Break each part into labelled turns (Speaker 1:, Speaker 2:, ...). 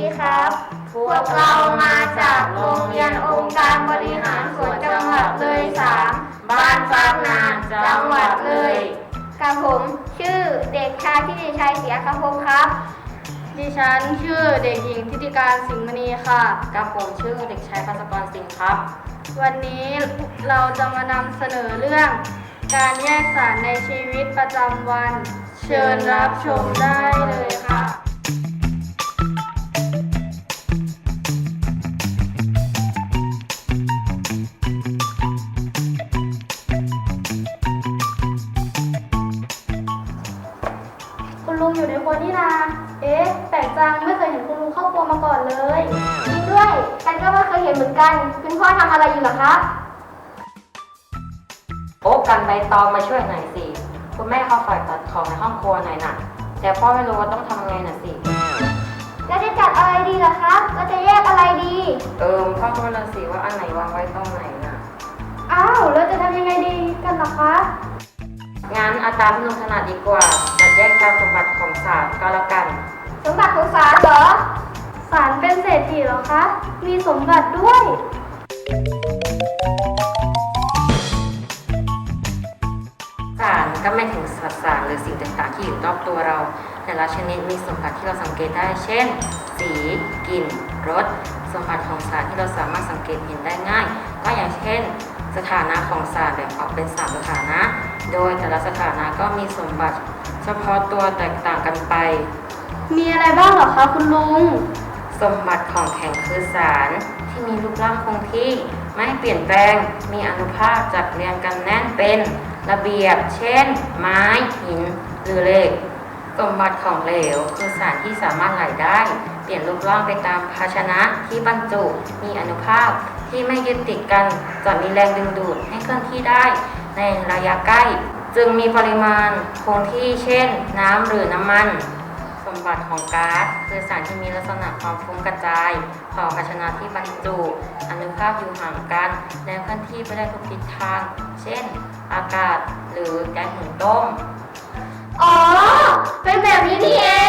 Speaker 1: ครับ พวกเรามาจากโรงเรียนองค์การบริหารส่วนจังหวัดเลย3บ้านฟากนานจังหวัดเลยกับผมชื่อเด็กชายทิติชัยเสียคำพงครับ
Speaker 2: ดิฉันชื่อเด็กหญิงทิติการสิงห์มณีค่ะ
Speaker 3: กับผมชื่อเด็กชายภัสกรสิงห์ครับ
Speaker 2: วันนี้เราจะมานำเสนอเรื่องการแยกสารในชีวิตประจำวัน เชิญรับชมได้เลยค่ะ คุณลุงอยู่ในครัวนี่นาเอ๊ะแปลกจังไม่เคยเห็นคุณลุงเข้าครัวมาก่อนเลย
Speaker 1: จริงด้วยกันก็ไม่เคยเห็นเหมือนกันคุณพ่อทำอะไรอยู่เหรอครับ
Speaker 3: โอ้กันใบตองมาช่วยหน่อยสิคุณแม่เขาฝากจัดของในห้องครัวหน่อยน่ะแต่พ่อไม่รู้ว่าต้องทำไงน่ะสิ
Speaker 1: แล้วจะจัดอะไรดีล่ะครับแล้วจะแยกอะไรดี
Speaker 3: พ่อก็ไม่รู้สิว่าอันไหนวางไว้ตรงไหนน่ะ
Speaker 2: อ้าวแล้วจะทำยังไงดีกันล่ะคะ
Speaker 3: งั้นเอาตามที่ลุงถนัดดีกว่าจัดแยกตามสมบัติของศาสตร์ก็แล้วกัน
Speaker 1: สมบัติของศาลเหรอ
Speaker 2: สารเป็นเศรษฐีเหรอคะ มีสมบัติด้วย
Speaker 3: สารก็ไม่ถึงสสารหรือสิ่งต่างๆที่อยู่รอบตัวเราแต่ละชนิดมีสมบัติที่เราสังเกตได้เช่น สีกลิ่นรสสมบัติของสารที่เราสามารถสังเกตเห็นได้ง่ายก็อย่างเช่น สถานะของสารแบ่งออกเป็น3สถานะโดยแต่ละสถานะก็มีสมบัติเฉพาะตัวแตกต่างกันไป
Speaker 2: มีอะไรบ้างเหรอคะคุณลุง
Speaker 3: สมบัติของแข็งคือสารที่มีรูปร่างคงที่ไม่เปลี่ยนแปลงมีอานุภาคจัดเรียงกันแน่นเป็นระเบียบเช่น ไม้หินหรือเหล็กสมบัติของเหลวคือสารที่สามารถไหลได้เปลี่ยนรูปร่างไปตามภาชนะที่บรรจุมีอานุภาคที่ไม่ยึดติดกันจะมีแรงดึงดูดให้เคลื่อนที่ได้ในระยะใกล้จึงมีปริมาณคงที่เช่น น้ำหรือน้ำมันสมบัติของก๊าซคือสารที่มีลักษณะความฟุ้งกระจายของภาชนะที่บรรจุอานุภาคอยู่ห่างกันและเคลื่อนที่ไปได้ทุกทิศทางเช่น อากาศหรือแก๊สหุงต้ม
Speaker 1: อ๋อ เป็นแบบนี้นี่เอง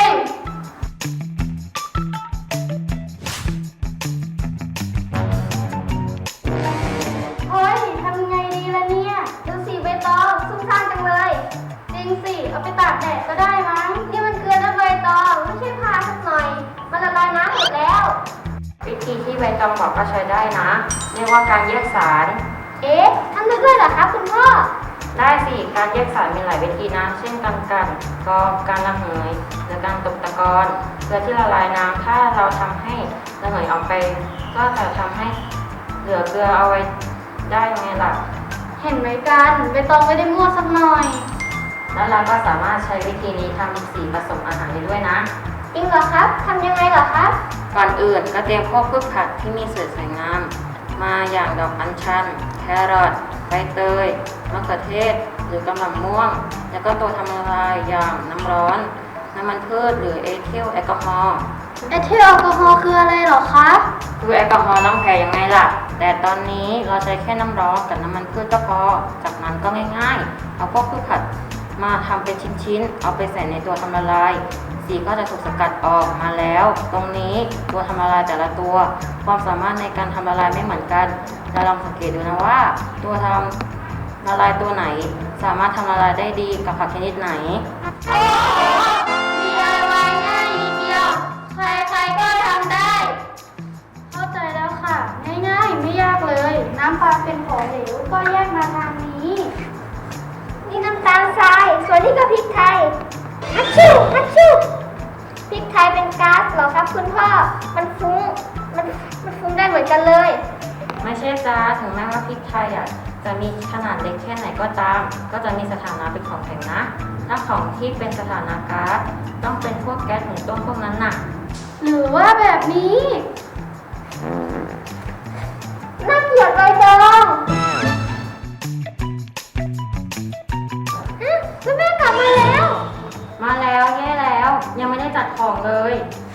Speaker 2: เฮ้ยทำไงดีล่ะเนี่ย
Speaker 1: ดูสิใบตองซุ่มซ่ามจังเลย
Speaker 2: จริงสิ เอาไปตากแดดก็ได้มั้ง
Speaker 1: นี่มันเกลือและใบตองไม่ใช่ผ้าสักหน่อย มันละลายน้ำหมดแล้ว
Speaker 3: วิธีที่ใบตองบอกก็ใช้ได้นะเรียกว่าการแยกสาร
Speaker 1: เอ๊ะทำได้ด้วยเหรอครับคุณพ่อ
Speaker 3: ได้สิการแยกสารมีหลายวิธีนะเช่นการกรองการระเหยหรือการตกตะกอนเกลือที่ละลายน้ำถ้าเราทำให้ระเหยออกไปก็จะทำให้เหลือเกลือเอาไว้ได้ไงล่ะ
Speaker 2: เห็นไหมกันใบตองไม่ได้มั่วสักหน่อย
Speaker 3: แล้วเราก็สามารถใช้วิธีนี้ทำสีผสมอาหารได้ด้วยนะ
Speaker 1: จริงเหรอครับทำยังไงเหรอครับ
Speaker 3: ก่อนอื่นก็เตรียมพวกพืชผักที่มีสีสวยงามมาอย่างดอกอัญชันแครอทใบเตยมะเขือเทศหรือกำมะม่วงแล้วก็ตัวทำละลายอย่างน้ำร้อนน้ำมันพืชหรือเอทิลแอลกอฮอล์
Speaker 2: เอทิลแอลกอฮอล์คืออะไรเหรอคะ
Speaker 3: คือแอลกอฮอล์ล้างแผลยังไงล่ะแต่ตอนนี้เราใช้แค่น้ำร้อนกับน้ำมันพืชก็พอจากนั้นก็ง่ายๆเอาพวกพืชผักมาทำเป็นชิ้นๆเอาไปใส่ในตัวทำละลายสีก็จะถูกสกัดออกมาแล้วตรงนี้ตัวทำละลายแต่ละตัวความสามารถในการทำละลายไม่เหมือนกันเราลองสังเกตดูนะว่าตัวทำละลายตัวไหนสามารถทำละลายได้ดีกับผักชนิดไหน
Speaker 1: โอ้โห DIY ง่ายนิดเดียว ใครๆก็ทำได้
Speaker 2: เข้าใจแล้วค่ะ ง่ายๆ ไม่ยากเลย น้ำปลาเป็นของเหลวก็แยกมาทางนี้
Speaker 1: นี่น้ำตาลทราย ส่วนนี้ก็พริกไทยฮัชชูฮัชชูพริกไทยเป็นก๊าซเหรอครับคุณพ่อ มันฟุ้ง มันฟุ้งได้เหมือนกันเลย
Speaker 3: ไม่ใช่จ้าถึงแม้ว่าพริกไทยจะมีขนาดเล็กแค่ไหนก็ตาม ก็จะมีสถานะเป็นของแข็งนะถ้าของที่เป็นสถานะก๊าซต้องเป็นพวกแก๊สหุงต้มพวกนั้นน่ะ
Speaker 2: หรือว่าแบบนี้
Speaker 1: น่าเกลียดใบตองแล้วแม่กลับมาแล้ว
Speaker 3: มาแล้วแย่แล้วยังไม่ได้จัดของเลย